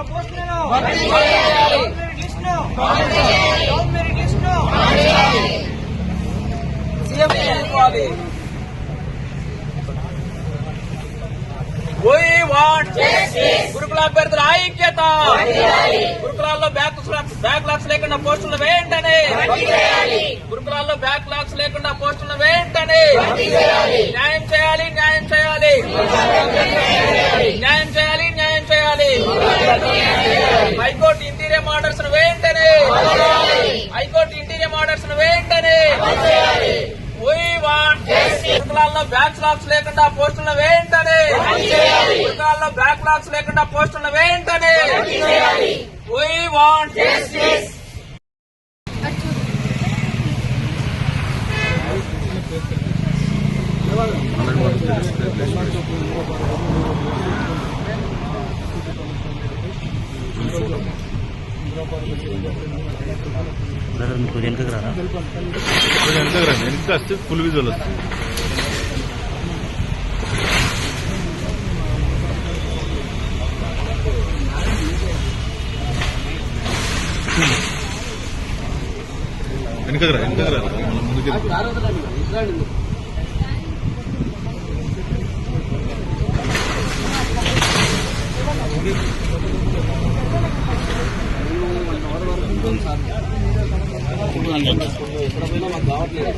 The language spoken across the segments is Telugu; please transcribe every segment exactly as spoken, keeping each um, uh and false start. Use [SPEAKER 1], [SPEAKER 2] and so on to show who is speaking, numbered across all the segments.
[SPEAKER 1] గురుకుల అభ్యర్థుల ఐక్యత, గురుకులాల్లో బ్యాక్ బ్యాక్లాగ్స్ లేకుండా పోస్టులు వేయంటనే, గురుకులాల్లో బ్యాక్లాగ్స్ లేకుండా పోస్టులు వేయంటనే, న్యాయం చేయాలి న్యాయం చేయాలి న్యాయం చేయాలి న్యాయం చేయాలి. హైకోర్టు ఇంటీరియం ఆర్డర్స్ ను వేయంటనే, హైకోర్టు ఇంటీరియం ఆర్డర్స్ ను వేయంటనే. గురుకులాల్లో బ్యాక్లాగ్స్ లేకుండా పోస్టులను వేయంటనే, గురుకులాల్లో బ్యాక్లాగ్స్ లేకుండా పోస్టులను వేయంటనే. We want justice.
[SPEAKER 2] మీకు వెనుకకు రారా,
[SPEAKER 3] వెనుకకు రండి, వెనుక వస్తే ఫుల్ విజువల్ వస్తుంది. వెనుకకు రా, వెనుకకు రా, ముందుకు
[SPEAKER 1] మాకు కావట్లేదు.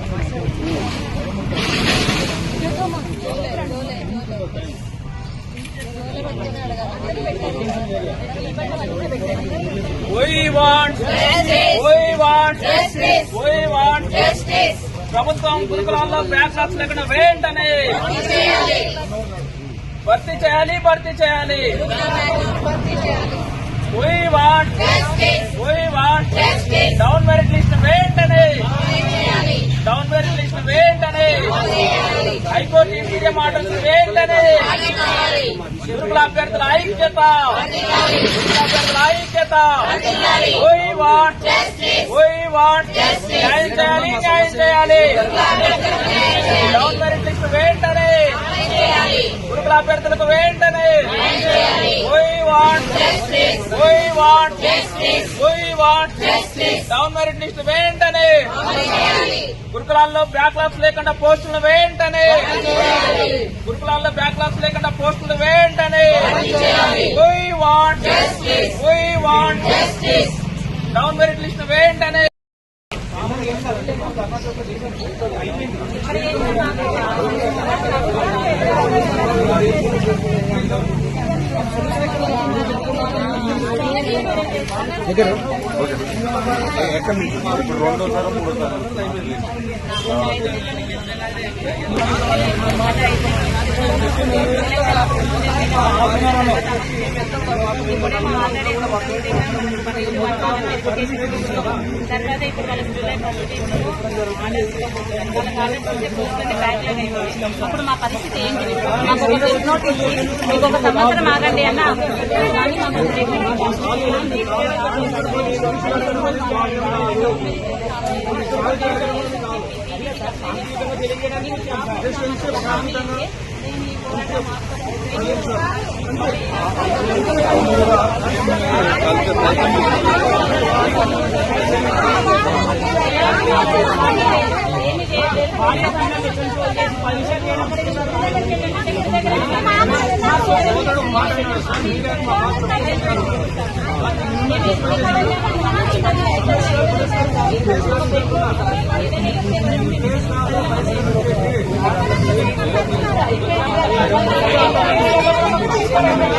[SPEAKER 1] We want justice. We want justice. We want justice. ప్రభుత్వం గురుకులాల్లో బ్యాక్లాగ్స్ లేకుండా వేయంటనే భర్తీ చేయాలి భర్తీ చేయాలి. We want justice. We want justice. Down merit list వేయంటనే, డౌన్ మెరిట్ లిస్ట్ వేయంటనే, హైకోర్టు ఇంటీరియం ఆర్డర్స్ వేయంటనే. గురుకుల అభ్యర్థుల ఐక్యత, గురుకుల అభ్యర్థుల ఐక్యత. We want justice. We want justice. న్యాయం చేయాలి న్యాయం చేయాలి. డౌన్ మెరిట్ లిస్ట్ వేయంటనే, గురుకుల అభ్యర్థులకు వేయంటనే. We want justice. We want justice. We want justice. Down merit list వేయంటనే, గురుకులాల్లో బ్యాక్లాగ్స్ లేకుండా పోస్టులు వేయంటనే, గురుకులాల్లో బ్యాక్లాగ్స్ లేకుండా పోస్టులు వేయంటనే. We want justice. We want justice. Down merit list వేయంటనే.
[SPEAKER 3] ఎక్కడ ఇప్పుడు రెండోసారి మూడోసారి
[SPEAKER 4] తర్వాత ఇప్పుడు వాళ్ళ జూలై ఫస్ట్ ఇప్పుడు మా పరిస్థితి ఏంటి? మాకు ఒక ప్రెస్ నోట్ ఇచ్చి మీకు ఒక సంవత్సరం ఆగండి అన్న
[SPEAKER 1] Thank you.